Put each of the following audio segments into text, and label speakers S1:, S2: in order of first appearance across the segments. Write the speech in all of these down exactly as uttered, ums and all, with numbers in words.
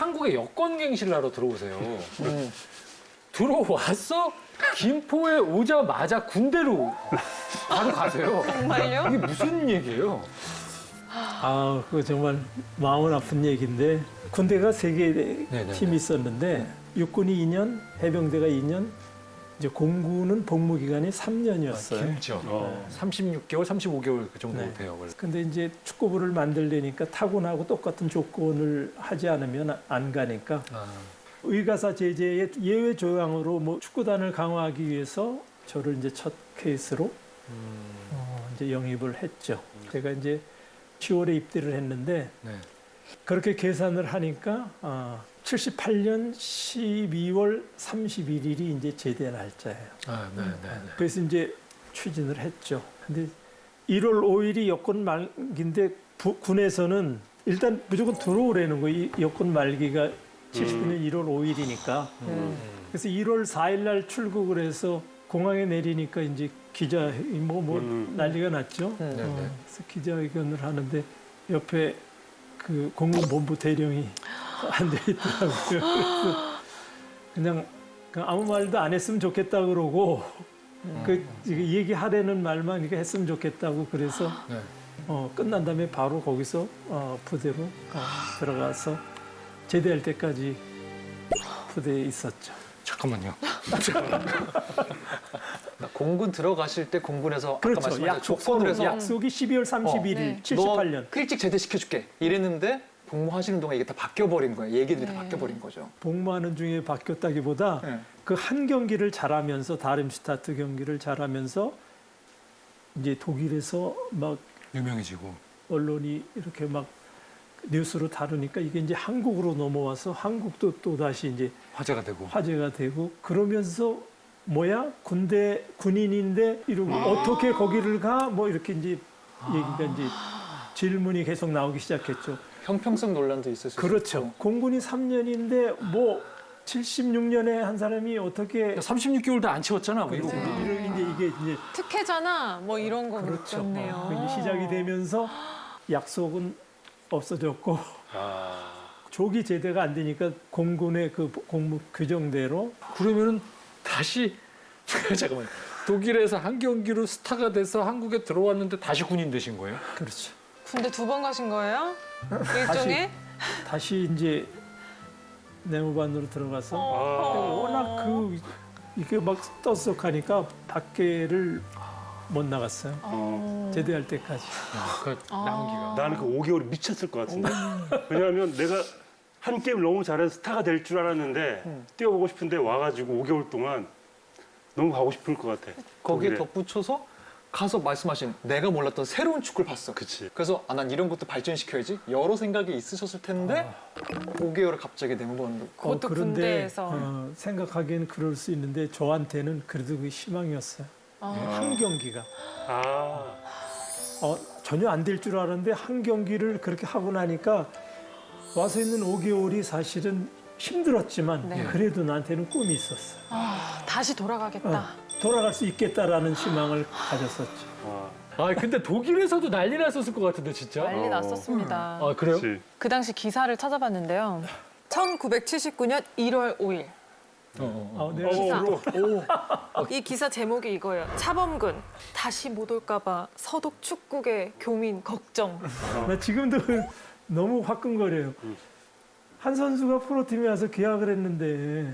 S1: 한국에 여권갱신을 하러 들어오세요.
S2: 음.
S1: 들어왔어? 김포에 오자마자 군대로 바로 가세요.
S3: 정말요?
S1: 이게 무슨 얘기예요?
S4: 아, 그거 정말 마음은 아픈 얘기인데 군대가 세 개
S1: 네네네.
S4: 팀이 있었는데 육군이 이 년, 해병대가 이 년, 이제 공군은 복무 기간이 삼 년이었어요.
S1: 길죠.
S2: 어.
S1: 삼십육 개월, 삼십오 개월 그 정도
S4: 네.
S1: 돼요. 그래서.
S4: 근데 이제 축구부를 만들려니까 타군하고 똑같은 조건을 하지 않으면 안 가니까
S1: 아,
S4: 의가사 제재의 예외 조항으로 뭐 축구단을 강화하기 위해서 저를 이제 첫 케이스로
S1: 음,
S4: 어, 이제 영입을 했죠. 제가 이제 시월에 입대를 했는데
S1: 네.
S4: 그렇게 계산을 하니까 아, 칠십팔 년 십이월 삼십일 일이 이제 제대 날짜예요.
S1: 아, 네, 네, 네.
S4: 그래서 이제 추진을 했죠. 근데 일월 오일이 여권 말기인데 부- 군에서는 일단 무조건 들어오라는 거예요. 이 여권 말기가 칠십구 년 일월 오일이니까. 그래서 일월 사일 날 출국을 해서 공항에 내리니까 이제 기자 뭐, 뭐
S2: 음.
S4: 난리가 났죠.
S1: 네, 네.
S4: 어, 그래서 기자회견을 하는데 옆에 그 공군본부 대령이 앉아 있더라고요. 그래서 그냥 그냥 아무 말도 안 했으면 좋겠다 그러고 그 얘기하려는 말만 이렇게 했으면 좋겠다고 그래서
S1: 네.
S4: 어, 끝난 다음에 바로 거기서 어, 부대로 어, 들어가서 제대할 때까지 부대에 있었죠.
S1: 잠깐만요.
S2: 공군 들어가실 때 공군에서 아까
S4: 그렇죠.
S2: 말씀하신
S4: 약속
S2: 조건을 해서
S4: 약속이 십이월 삼십일 일
S3: 네.
S4: 칠십팔 년
S2: 너 일찍 제대시켜줄게 이랬는데 복무하시는 동안 이게 다 바뀌어버린 거예요. 얘기들이 다
S3: 네.
S2: 바뀌어버린 거죠.
S4: 복무하는 중에 바뀌었다기보다
S2: 네.
S4: 그 한 경기를 잘하면서 다름슈타트 경기를 잘하면서 이제 독일에서 막
S1: 유명해지고.
S4: 언론이 이렇게 막 뉴스로 다루니까 이게 이제 한국으로 넘어와서 한국도 또 다시 이제
S1: 화제가 되고.
S4: 화제가 되고 그러면서 뭐야 군대 군인인데 이러고 어떻게 거기를 가 뭐 이렇게 이제 얘기가 이제 질문이 계속 나오기 시작했죠.
S2: 형평성 논란도 있을 수
S4: 그렇죠.
S2: 있고.
S4: 공군이 삼 년인데 뭐 칠십육 년에 한 사람이 어떻게
S1: 삼십육 개월도 안 채웠잖아. 뭐 이러고.
S3: 네.
S4: 이런 이제 이게 이제
S3: 특혜잖아. 뭐 이런 거
S4: 그렇죠.
S3: 느꼈네요.
S4: 어, 그게 시작이 되면서 약속은 없어졌고
S2: 아.
S4: 조기 제대가 안 되니까 공군의 그 공무 규정대로
S1: 그러면은 다시 잠깐만. 독일에서 한 경기로 스타가 돼서 한국에 들어왔는데 다시 군인 되신 거예요?
S4: 그렇죠.
S3: 군대 두 번 가신 거예요? 일종의?
S4: 다시 이제 내무반으로 들어가서
S3: 어.
S4: 워낙 그 이게 막 떠들썩하니까 밖에를 못 나갔어요.
S3: 어.
S4: 제대할 때까지.
S1: 그 남은 기간.
S5: 나는 그 오 개월이 미쳤을 것 같은데. 왜냐하면 내가 한 게임 너무 잘해서 스타가 될 줄 알았는데 뛰어보고 싶은데 와가지고 오 개월 동안 너무 가고 싶을 것 같아.
S2: 거기에
S5: 독일에.
S2: 덧붙여서 가서 말씀하신 내가 몰랐던 새로운 축구를 봤어.
S5: 그치.
S2: 그래서 아, 난 이런 것도 발전시켜야지. 여러 생각이 있으셨을 텐데 오 개월을 갑자기 내무반으로.
S3: 그것도
S4: 그런데
S3: 군대에서.
S4: 어, 생각하기에는 그럴 수 있는데 저한테는 그래도 그게 희망이었어요.
S3: 아.
S4: 한 경기가
S5: 아,
S4: 어, 전혀 안 될 줄 알았는데 한 경기를 그렇게 하고 나니까 와서 있는 오 개월이 사실은 힘들었지만
S3: 네.
S4: 그래도 나한테는 꿈이 있었어요.
S3: 아, 다시 돌아가겠다.
S4: 어, 돌아갈 수 있겠다라는 희망을 가졌었죠.
S5: 아,
S1: 아 근데 독일에서도 난리 났었을 것 같은데 진짜.
S3: 난리
S5: 어.
S3: 났었습니다.
S1: 아 그래요?
S5: 그치.
S3: 그 당시 기사를 찾아봤는데요. 천구백칠십구 년 일월 오일.
S1: 어, 어, 어.
S4: 아, 내가
S3: 기사. 이 기사 제목이 이거예요. 차범근 다시 못 올까봐 서독 축구계 교민 걱정.
S4: 나 지금도 너무 화끈거려요. 한 선수가 프로팀에 와서 계약을 했는데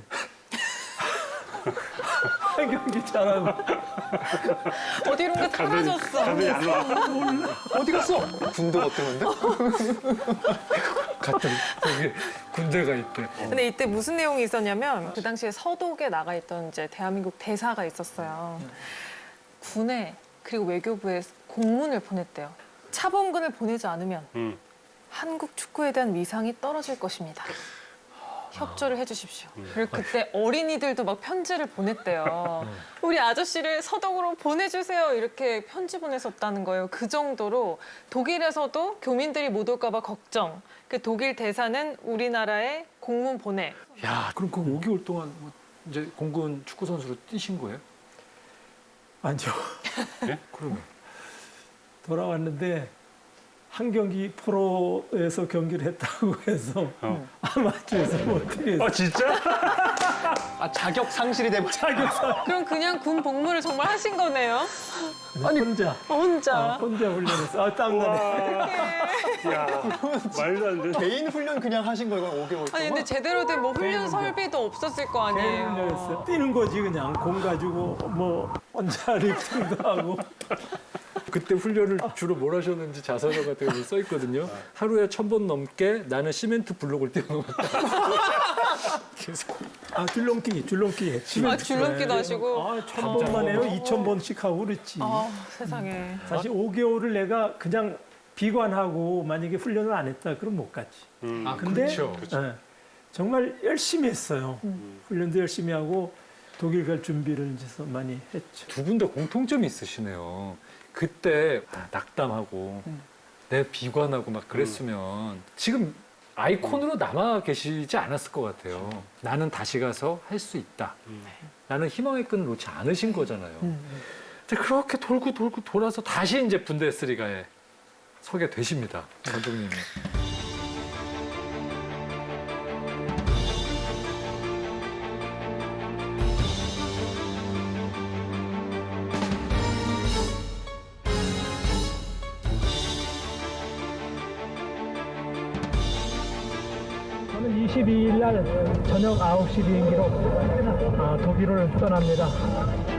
S4: 한 경기 잘하고
S3: 어디론가 사라졌어.
S5: 감독이 안 와.
S2: 어디 갔어? 군대 어땠는데?
S1: 갔더니 거기 군대가 있대.
S3: 근데 이때 무슨 내용이 있었냐면 그 당시에 서독에 나가 있던 이제 대한민국 대사가 있었어요. 군에 그리고 외교부에 공문을 보냈대요. 차범근을 보내지 않으면
S5: 음.
S3: 한국 축구에 대한 위상이 떨어질 것입니다. 협조를 해주십시오. 그리고 그때 어린이들도 막 편지를 보냈대요. 우리 아저씨를 서독으로 보내주세요. 이렇게 편지 보냈었다는 거예요. 그 정도로 독일에서도 교민들이 못 올까 봐 걱정. 그 독일 대사는 우리나라에 공문 보내.
S1: 야 그럼 그 오 개월 동안 뭐 이제 공군 축구 선수로 뛰신 거예요?
S4: 아니죠.
S1: 그러면
S4: 돌아왔는데 한 경기 프로에서 경기를 했다고 해서
S5: 어.
S4: 아마추어에서 어떻게 해서
S5: 아 진짜?
S2: 아 자격 상실이 돼버려.
S3: 그럼 그냥 군 복무를 정말 하신 거네요?
S4: 아니 혼자
S3: 혼자.
S4: 아, 혼자 훈련했어. 아 땀나네.
S5: 야 말도 안 돼.
S2: 개인 훈련 그냥 하신 거예요, 오 개월 동안?
S3: 아니 근데 제대로 된 뭐 훈련 설비도 없었을 거
S4: 개인
S3: 아니에요.
S4: 훈련했어. 뛰는 거지 그냥 공 가지고 뭐 혼자 리프팅도 하고.
S1: 그때 훈련을 주로 뭘 하셨는지 자서전 같은 거 써 있거든요. 하루에 천 번 넘게 나는 시멘트 블록을 뛰어넘었다. 계속.
S4: 아 줄넘기 줄넘기 했지.
S3: 아 줄넘기도 하시고.
S4: 아천 번만 해요. 이천 번씩 하고 그랬지.
S3: 아 세상에.
S4: 사실 오 개월을 내가 그냥 비관하고 만약에 훈련을 안 했다 그럼 못 갔지.
S5: 음.
S1: 아,
S4: 근데
S1: 그렇죠.
S4: 예, 정말 열심히 했어요. 훈련도 열심히 하고 독일 갈 준비를 이제 많이 했죠.
S1: 두 분 다 공통점이 있으시네요. 그때 아, 낙담하고 내 비관하고 막 그랬으면 지금 아이콘으로 남아 계시지 않았을 것 같아요. 나는 다시 가서 할 수 있다. 나는 희망의 끈을 놓지 않으신 거잖아요. 근데 그렇게 돌고 돌고 돌아서 다시 이제 분데스리가에 서게 되십니다. 감독님이.
S4: 저는 이십이 일 날 저녁 아홉 시 비행기로 아, 독일을 떠납니다.